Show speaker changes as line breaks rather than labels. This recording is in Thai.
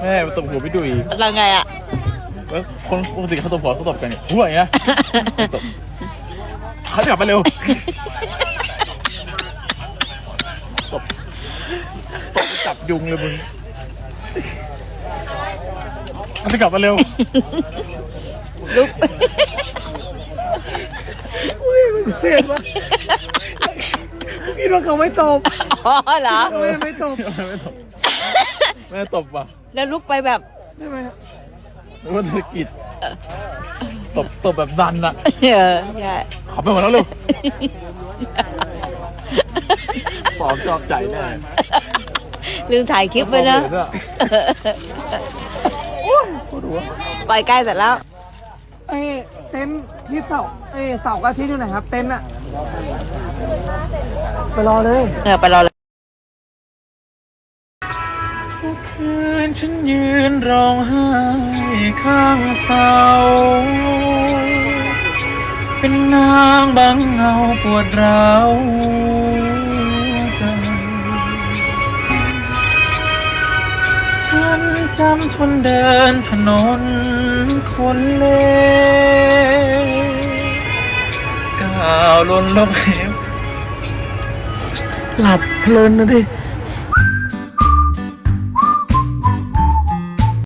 แม่ตบหัวพี่ดุย
เราไงอ่ะ
แล้วคนปกติเขาตบหัวเขาตบกันเนี่ยหัวอย่างเงี้ยตบเขากลับไปเร็วตบจับยุงเลยมึงเขาจะกลับมาเร็ว
ลุก
อุ้ยมันเห็นปะคิดว่าเขาไม่ตบ
อ๋อเหรอ
ไม่ตบ
ไม่ตบแม่ตบว่ะ
แล้วลุกไปแบบ
ใช่ไหม
หรือว่าธุรกิจตบแบบดันอะ
ใช่
ขับไปหมดแล้วเร็วฟอมชอบใจแน่
ลืมถ่ายคลิปไปนะ ปล่อยใกล้เสร็จแล้ว
เอ้เต็นท์ที่เสาเสาร์กับอาทิตย์อยู่ไหนครับ เต็นท์อะไปรอเลย
ไปรอเลย
ทุกคืนฉันยืนร้องไห้ข้างเสาเป็นนางบังเงาปวดร้าวใจฉันจำทนเดินถนนคนเล่ก้าวล้นลบเหว
หลับเพลินนะดิ